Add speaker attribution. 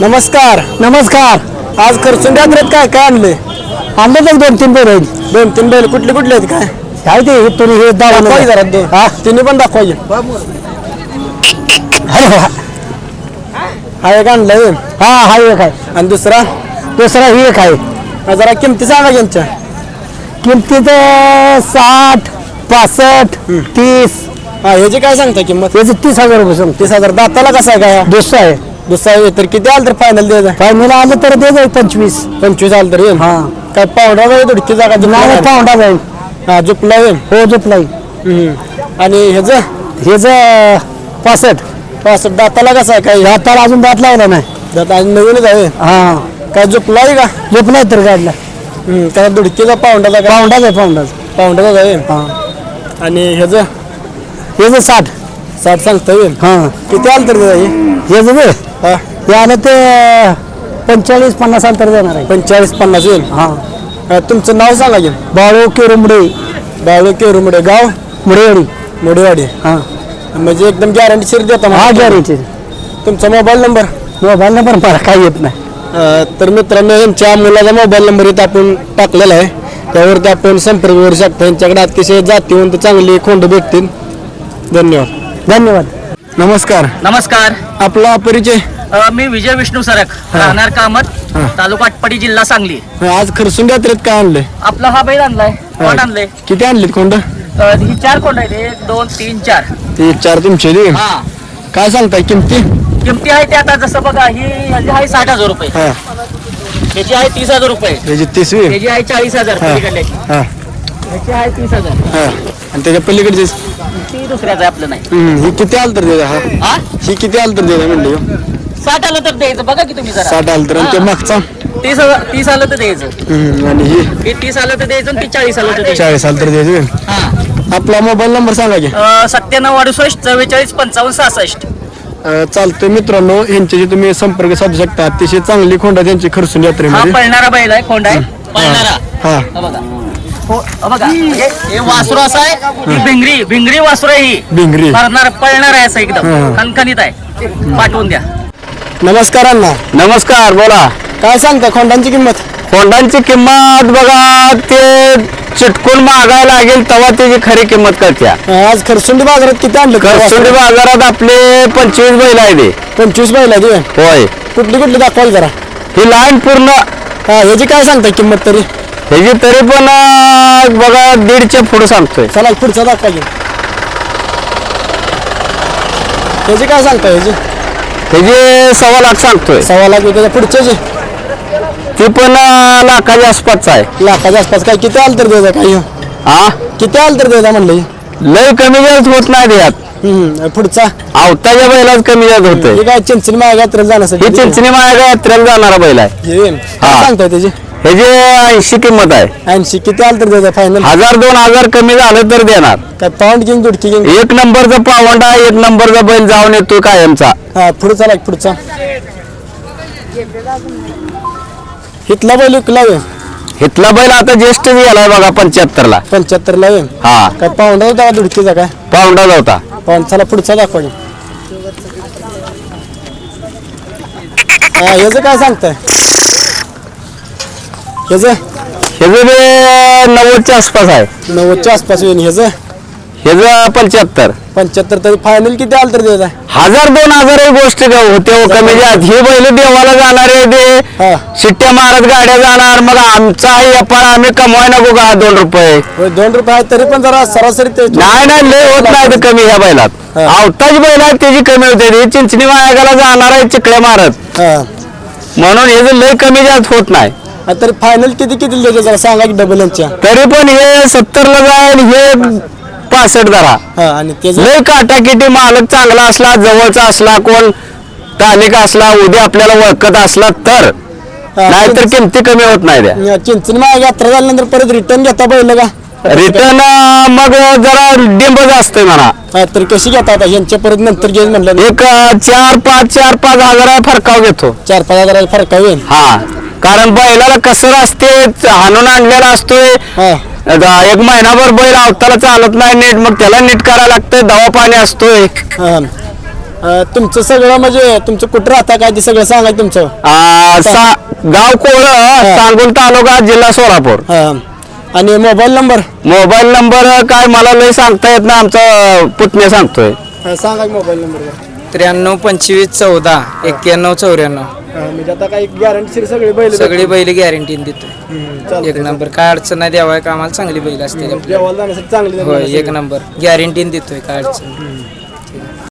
Speaker 1: नमस्कार.
Speaker 2: नमस्कार.
Speaker 1: आज खर्चून यात्रेत काय काय आणले?
Speaker 2: आणले तर 2-3 बैल आहेत.
Speaker 1: 2-3 बैल कुठले कुठले आहेत काय?
Speaker 2: काय ते तुम्ही हे
Speaker 1: दाखवा जरा दोन.
Speaker 2: हा
Speaker 1: तिन्ही पण दाखवायचे. हा एक आणलाय
Speaker 2: हा हा एक आहे
Speaker 1: आणि दुसरा
Speaker 2: ही एक आहे.
Speaker 1: जरा किमती सांगा यांच्या.
Speaker 2: किमतीत 60, 65, 30
Speaker 1: हा ह्याची काय सांगता किंमत?
Speaker 2: याचे 30,000 रुपये सांगतो.
Speaker 1: 30,000. दाताला कसा आहे काय?
Speaker 2: दुसरं आहे.
Speaker 1: दुसरा आहे तर किती आलं तर फायनल द्यायचा?
Speaker 2: फायनल आलं तर दे जाईल 25.
Speaker 1: 25 आलं तर येईल.
Speaker 2: हा
Speaker 1: काय पावडा जाईल थोडी जागा
Speaker 2: नाही पाऊंडा जाईल.
Speaker 1: हा झुपला येईल.
Speaker 2: हो झोपलाई.
Speaker 1: आणि ह्याचं
Speaker 2: हे ज 65.
Speaker 1: दाताला कसा आहे काय?
Speaker 2: दाताला अजून दात लावला नाही.
Speaker 1: दात आणि नवीनच आहे.
Speaker 2: हा
Speaker 1: काय झुपला आहे का?
Speaker 2: झोपलाय तर गाडला.
Speaker 1: काय दुडकीचा पावंडाचा काय?
Speaker 2: पाऊंडाच आहे पाऊंडाच.
Speaker 1: पावंडाचा आहे.
Speaker 2: हा
Speaker 1: आणि ह्याचं
Speaker 2: हे जे 60.
Speaker 1: 60 सांगता येईल.
Speaker 2: हा
Speaker 1: किती आलं तर द्यायचं?
Speaker 2: हे जे
Speaker 1: हा
Speaker 2: हे आलं ते 45-50 अंतर देणार आहे.
Speaker 1: 45-50 येईल.
Speaker 2: हा
Speaker 1: तुमचं नाव सांगा की.
Speaker 2: बाळू केरुंबडे
Speaker 1: बाळू केरुमडे गाव
Speaker 2: मुडेवाडी.
Speaker 1: मोडेवाडी.
Speaker 2: हा
Speaker 1: म्हणजे एकदम गॅरंटी शिर देता
Speaker 2: हा
Speaker 1: मला.
Speaker 2: गॅरेंटी.
Speaker 1: तुमचा मोबाईल नंबर?
Speaker 2: मोबाईल नंबर मला काही येत नाही.
Speaker 1: तर मित्रांनो यांच्या मुलाचा मोबाईल नंबर इथं आपण टाकलेला आहे. त्यावरती आपण संपर्क करू शकता. यांच्याकडे अतिशय जातीवंत चांगली खोंड भेटतील. धन्यवाद.
Speaker 2: धन्यवाद.
Speaker 1: नमस्कार.
Speaker 3: नमस्कार.
Speaker 1: आपला परिचय?
Speaker 3: मी विजय विष्णू सरक, राहणार कामत, तालुका आटपाडी, जिल्हा सांगली.
Speaker 1: आज खरसून यात्रेत काय आणलंय?
Speaker 3: आपला हा बैल आणलाय. कोण आणले?
Speaker 1: किती आणलीत खोंड?
Speaker 3: ही 4 कोंड आहेत. 1, 2, 3, 4.
Speaker 1: ते 4 तुमचे दे.
Speaker 3: हा
Speaker 1: काय सांगताय किमती?
Speaker 3: किमती आहे ते आता जसं बघा ही ह्याची आहे 60,000 रुपये,
Speaker 1: हा
Speaker 3: ह्याची आहे 30,000 रुपये,
Speaker 1: त्याची 30वी.
Speaker 3: ह्याची आहे 40,000 पलीकडल्याची,
Speaker 1: हा
Speaker 3: ह्याची आहे 30,000.
Speaker 1: हा आणि त्याच्या पलीकडचे
Speaker 3: ती दुसऱ्याचं आहे, आपलं नाही.
Speaker 1: ही किती आलं तर द्यायचा? हा
Speaker 3: हा
Speaker 1: ही किती आलं तर द्यायचा म्हणले?
Speaker 3: 60 आलं तर द्यायचं. बघा की तुम्ही जरा
Speaker 1: 60 आलं तर. आणि ते मागचा?
Speaker 3: 30 आलं तर द्यायचं.
Speaker 1: आणि ही
Speaker 3: हे 30 आलं तर द्यायचं आणि ती 40 आलं तर द्यायचं.
Speaker 1: 40 आलं तर द्यायचे.
Speaker 3: हा
Speaker 1: आपला मोबाईल नंबर सांगा की.
Speaker 3: 97 68 44 55 66.
Speaker 1: चालतंय मित्रांनो, यांच्याशी तुम्ही संपर्क साधू शकता. अतिशय चांगली खोंडा त्यांची खरसून
Speaker 3: हा
Speaker 1: यात्रेमध्ये.
Speaker 3: पळणारा बैल आहे, खोंड आहे पळणारा.
Speaker 1: हा
Speaker 3: हा बघा. हो बघा, हे वासरू असं आहे. ही भिंगरी वासरू आहे. ही
Speaker 1: भिंगरी.
Speaker 3: पळणार आहे असं
Speaker 1: हा.
Speaker 3: एकदम खणखणीत आहे. पाठवून द्या.
Speaker 1: नमस्कार अण्णा.
Speaker 2: नमस्कार. बोला.
Speaker 1: काय सांगता खोंडांची किंमत?
Speaker 2: खोंडांची किंमत बघा, ते चिटकून मागायला लागेल तेव्हा त्याची खरी किंमत कळत्या.
Speaker 1: आज खरसुंडी बाजारात किती आणलं?
Speaker 2: खरसुंडी बाजारात आपले 25 बैल आहे ते.
Speaker 1: 25 बैल आहे.
Speaker 2: होय.
Speaker 1: कुठली कुठली दाखवाल जरा?
Speaker 2: ही लाईन पूर्ण.
Speaker 1: हा ह्याची काय सांगता किंमत तरी?
Speaker 2: ह्याची तरी पण बघा 1.5च्या पुढे सांगतोय.
Speaker 1: चला पुढचा दाखवा की. ह्याची काय सांगता? ह्याची
Speaker 2: ह्याची 1.25 लाख सांगतोय.
Speaker 1: 1.25 लाख. त्याच्या पुढच्याची
Speaker 2: ती पण लाखाच्या आसपासचा आहे.
Speaker 1: लाखाच्या आसपास. काय किती आलं तर द्यायचा? काय
Speaker 2: हा
Speaker 1: किती आलं तर द्यायचा म्हणलं?
Speaker 2: लय कमी जास्त होत नाही यात.
Speaker 1: पुढचा
Speaker 2: आवताच्या बैलाच कमी जास्त होतंय.
Speaker 1: हे काय चिंचणी मागे यात्रेला जाण्यासाठी?
Speaker 2: ही चिंचणी माया यात्रेला जाणारा बैल आहे.
Speaker 1: हे काय सांगताय त्याची?
Speaker 2: ह्याची 80 किंमत आहे.
Speaker 1: 80. किती आलं तर द्यायचा फायनल?
Speaker 2: 1000-2000 कमी झालं तर देणार.
Speaker 1: काय पाऊंड किंग दुडकी किंग?
Speaker 2: 1 नंबरचा पावंडा, 1 नंबरचा बैल जाऊन येतो कायमचा.
Speaker 1: हा पुढचा लाग. पुढचा इथला बैल विकला वे?
Speaker 2: इथला बैल आता ज्येष्ठ गेलाय बघा 75 ला.
Speaker 1: 75 ला वे.
Speaker 2: हा
Speaker 1: काय पाऊंडा होता का दुडकीचा? काय
Speaker 2: पावंडा होता.
Speaker 1: पाऊंड. चला पुढचा दाखवा की. हा ह्याचं काय सांगताय? ह्याचं
Speaker 2: ह्याचं बी 90च्या आसपास आहे.
Speaker 1: 90च्या आसपास येईन. ह्याचं
Speaker 2: ह्याचं 75.
Speaker 1: 75. तरी फायनल किती आलं तर द्यायचा?
Speaker 2: 1000-2000 ही गोष्ट होते हो कमी जास्त. ही बैल देवाला जाणार आहे ते.
Speaker 1: हा
Speaker 2: शिट्ट्या मारत गाड्या जाणार. मग आमचा आहे व्यापार, आम्ही कमवाय नको का 2 रुपये?
Speaker 1: होय, 2 रुपये आहे तरी पण जरा सरासरी ते
Speaker 2: नाही लय होत नाही ते कमी ह्या बैलात.
Speaker 1: हा.
Speaker 2: आवताची बैल आहे त्याची कमी होते. ही चिंचणी मायागाला जाणार आहे चिकड्या मारत.
Speaker 1: हा.
Speaker 2: म्हणून हे लय कमी जास्त होत नाही.
Speaker 1: तरी फायनल किती किती द्यायचं जरा सांगा की डबल यांच्या?
Speaker 2: तरी पण हे 70 ला जाईल, हे 65 धरा.
Speaker 1: हा आणि त्याचं
Speaker 2: लय काटाकिटी मालक चांगला असला, जवळचा असला, कोण स्थानिक असला, उद्या आपल्याला ओळखत असला तर. नाहीतर किमती कमी होत नाही त्या.
Speaker 1: चिंचणी मागे यात्रा झाल्यानंतर परत रिटर्न घेता बैल का?
Speaker 2: रिटर्न मग जरा डिंबच असते म्हणा.
Speaker 1: हा तर कशी घेता आता यांच्या परत नंतर घेऊन म्हणलं?
Speaker 2: एक 4-5 हजार फरकाव घेतो.
Speaker 1: 4-5 हजार फरक होईल.
Speaker 2: हा कारण बैलाला कसर असते, हाणून आणलेला असतोय.
Speaker 1: हा
Speaker 2: 1 महिनाभर बैल अवताला चालत नाही नीट, मग त्याला नीट करायला लागतंय. दवा पाणी असतोय.
Speaker 1: हा तुमचं सगळं म्हणजे तुमचं कुठं राहता काय ते सगळं सांगा तुमचं.
Speaker 2: गाव कोळ, सांगोल तालुका, जिल्हा सोलापूर.
Speaker 1: आणि मोबाईल
Speaker 2: नंबर काय मला लय सांगता येत ना, आमचा पुतण्या सांगतोय.
Speaker 1: सांगा मोबाईल नंबर.
Speaker 4: 93 25 14 91 94.
Speaker 1: म्हणजे आता काही गॅरंटी
Speaker 4: सगळी बैल गॅरंटी देतो. एक नंबर, काय अडचण नाही, देवाय कामाला चांगली बैल असते.
Speaker 1: जेवायला जाण्यासाठी चांगली
Speaker 4: होय, एक नंबर गॅरंटी देतोय, काय अडचण.